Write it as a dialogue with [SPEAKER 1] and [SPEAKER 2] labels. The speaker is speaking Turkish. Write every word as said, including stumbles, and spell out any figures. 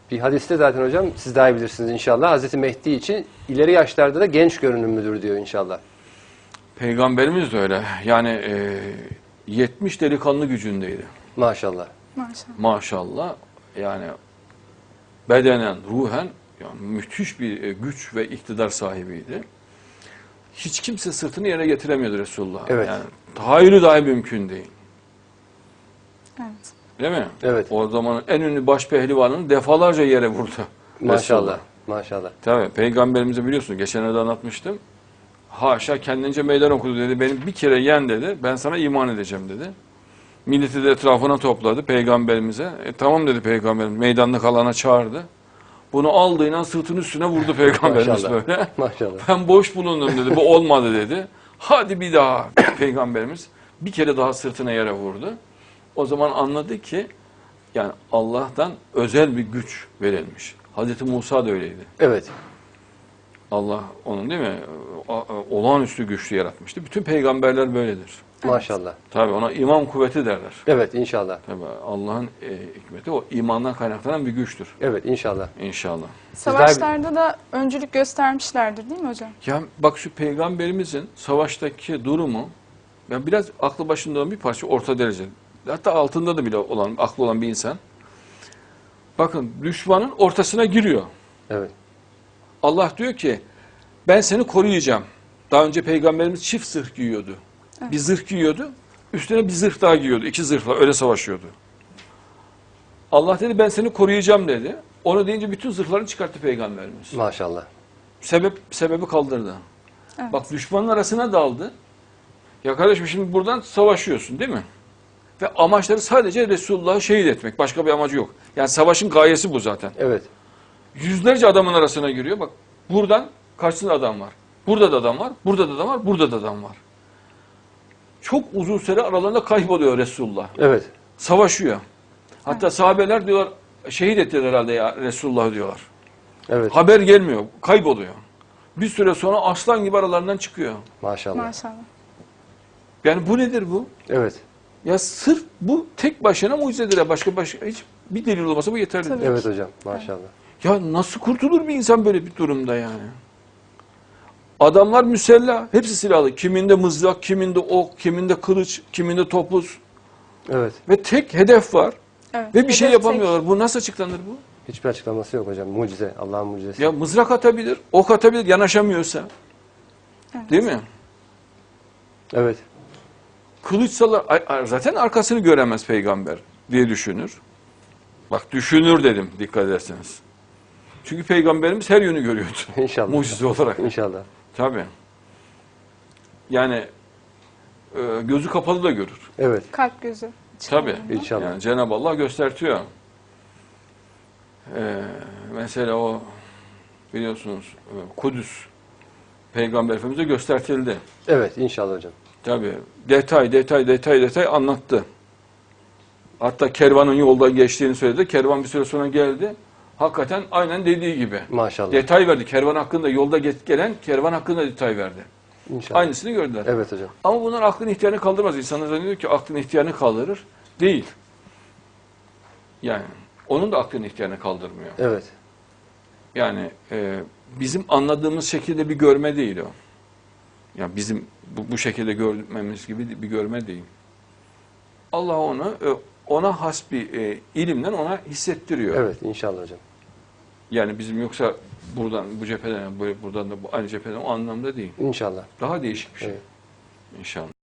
[SPEAKER 1] Bir hadiste zaten hocam siz daha iyi bilirsiniz inşallah. Hazreti Mehdi için ileri yaşlarda da genç görünümlüdür diyor inşallah.
[SPEAKER 2] Peygamberimiz de öyle. Yani e, yetmiş delikanlı gücündeydi.
[SPEAKER 1] Maşallah.
[SPEAKER 3] Maşallah.
[SPEAKER 2] Maşallah. Yani bedenen, ruhen yani müthiş bir e, güç ve iktidar sahibiydi. Hiç kimse sırtını yere getiremiyordu Resulullah.
[SPEAKER 1] Evet.
[SPEAKER 2] Yani tahayyülü dahi mümkün değil.
[SPEAKER 3] Evet.
[SPEAKER 2] Değil mi?
[SPEAKER 1] Evet.
[SPEAKER 2] O zamanın en ünlü baş pehlivanını defalarca yere vurdu.
[SPEAKER 1] Maşallah.
[SPEAKER 2] Resulullah.
[SPEAKER 1] Maşallah.
[SPEAKER 2] Tabii Peygamberimize biliyorsunuz geçenlerde anlatmıştım. Haşa kendince meydan okudu dedi. Benim bir kere yen dedi. Ben sana iman edeceğim dedi. Milleti de etrafına topladı Peygamberimize. E, tamam dedi Peygamberimiz. Meydanlık alana çağırdı. Bunu aldığıyla sırtının üstüne vurdu Peygamberimiz
[SPEAKER 1] Maşallah.
[SPEAKER 2] böyle.
[SPEAKER 1] Maşallah.
[SPEAKER 2] Ben boş bulundum dedi. Bu olmadı dedi. Hadi bir daha Peygamberimiz bir kere daha sırtına yere vurdu. O zaman anladı ki yani Allah'tan özel bir güç verilmiş. Hazreti Musa da öyleydi.
[SPEAKER 1] Evet.
[SPEAKER 2] Allah onun değil mi? Olağanüstü güçlü yaratmıştı. Bütün peygamberler böyledir.
[SPEAKER 1] Maşallah.
[SPEAKER 2] Tabii ona iman kuvveti derler.
[SPEAKER 1] Evet inşallah.
[SPEAKER 2] Tabii Allah'ın e, hikmeti o imandan kaynaklanan bir güçtür.
[SPEAKER 1] Evet inşallah.
[SPEAKER 2] İnşallah.
[SPEAKER 3] Savaşlarda da öncülük göstermişlerdir değil mi hocam?
[SPEAKER 2] Ya bak şu peygamberimizin savaştaki durumu ya biraz aklı başında olan bir parça orta derece. Hatta altında da bile olan aklı olan bir insan. Bakın düşmanın ortasına giriyor.
[SPEAKER 1] Evet.
[SPEAKER 2] Allah diyor ki ben seni koruyacağım. Daha önce peygamberimiz çift zırh giyiyordu.
[SPEAKER 3] Evet.
[SPEAKER 2] Bir zırh giyiyordu. Üstüne bir zırh daha giyiyordu. İki zırhla öyle savaşıyordu. Allah dedi ben seni koruyacağım dedi. Onu deyince bütün zırhlarını çıkarttı peygamberimiz.
[SPEAKER 1] Maşallah.
[SPEAKER 2] Sebep sebebi kaldırdı.
[SPEAKER 3] Evet.
[SPEAKER 2] Bak düşmanın arasına daldı. Ya kardeşim şimdi buradan savaşıyorsun değil mi? Ve amaçları sadece Resulullah'ı şehit etmek. Başka bir amacı yok. Yani savaşın gayesi bu zaten.
[SPEAKER 1] Evet.
[SPEAKER 2] Yüzlerce adamın arasına giriyor. Bak buradan karşısında adam var. Burada da adam var. Burada da adam var. Burada da adam var. Çok uzun süre aralarında kayboluyor Resulullah.
[SPEAKER 1] Evet.
[SPEAKER 2] Savaşıyor. Hatta sahabeler diyorlar şehit ettiler herhalde ya Resulullah diyorlar.
[SPEAKER 1] Evet.
[SPEAKER 2] Haber gelmiyor. Kayboluyor. Bir süre sonra aslan gibi aralarından çıkıyor.
[SPEAKER 1] Maşallah.
[SPEAKER 3] Maşallah.
[SPEAKER 2] Yani bu nedir bu?
[SPEAKER 1] Evet.
[SPEAKER 2] Ya sırf bu tek başına mucizedir. ya. Başka başka hiç bir delil olmasa bu yeterlidir.
[SPEAKER 3] Tabii.
[SPEAKER 1] Evet hocam. Maşallah.
[SPEAKER 2] Ya nasıl kurtulur bir insan böyle bir durumda yani? Adamlar müsellah, hepsi silahlı. Kiminde mızrak, kiminde ok, kiminde kılıç, kiminde topuz.
[SPEAKER 1] Evet.
[SPEAKER 2] Ve tek hedef var.
[SPEAKER 3] Evet.
[SPEAKER 2] Ve bir şey
[SPEAKER 3] Hedef
[SPEAKER 2] yapamıyorlar. Bu nasıl açıklanır bu?
[SPEAKER 1] Hiçbir açıklaması yok hocam. Mucize. Allah'ın mucizesi.
[SPEAKER 2] Ya mızrak atabilir, ok atabilir, yanaşamıyorsa.
[SPEAKER 3] Evet.
[SPEAKER 2] Değil mi?
[SPEAKER 1] Evet.
[SPEAKER 2] Kılıç sallar, ay- ay- zaten arkasını göremez peygamber diye düşünür. Bak düşünür dedim dikkat ederseniz. Çünkü peygamberimiz her yönü görüyordu.
[SPEAKER 1] İnşallah.
[SPEAKER 2] Mucize olarak.
[SPEAKER 1] İnşallah.
[SPEAKER 2] Tabii. Yani e, gözü kapalı da görür.
[SPEAKER 1] Evet.
[SPEAKER 3] Kalp gözü.
[SPEAKER 2] Tabii.
[SPEAKER 1] İnşallah.
[SPEAKER 2] Yani Cenab-ı Allah göstertiyor. Ee, mesela o biliyorsunuz e, Kudüs Peygamber Efendimiz'e göstertildi.
[SPEAKER 1] Evet. İnşallah hocam.
[SPEAKER 2] Tabii. Detay, detay, detay, detay anlattı. Hatta kervanın yolda geçtiğini söyledi. Kervan bir süre sonra geldi. Hakikaten aynen dediği gibi.
[SPEAKER 1] Maşallah.
[SPEAKER 2] Detay verdi. Kervan hakkında, yolda ge- gelen kervan hakkında detay verdi.
[SPEAKER 1] İnşallah.
[SPEAKER 2] Aynısını gördüler.
[SPEAKER 1] Evet hocam.
[SPEAKER 2] Ama bunlar aklın ihtiyarını kaldırmaz. İnsanlar zannediyor ki aklın ihtiyarını kaldırır. Değil. Yani onun da aklın ihtiyarını kaldırmıyor.
[SPEAKER 1] Evet.
[SPEAKER 2] Yani e, bizim anladığımız şekilde bir görme değil o. Yani bizim bu, bu şekilde görmemiz gibi bir görme değil. Allah onu e, ona has bir e, ilimden ona hissettiriyor.
[SPEAKER 1] Evet. İnşallah hocam.
[SPEAKER 2] Yani bizim yoksa buradan bu cepheden böyle buradan da bu aynı cepheden o anlamda değil.
[SPEAKER 1] İnşallah.
[SPEAKER 2] Daha değişik bir şey.
[SPEAKER 1] Evet.
[SPEAKER 2] İnşallah.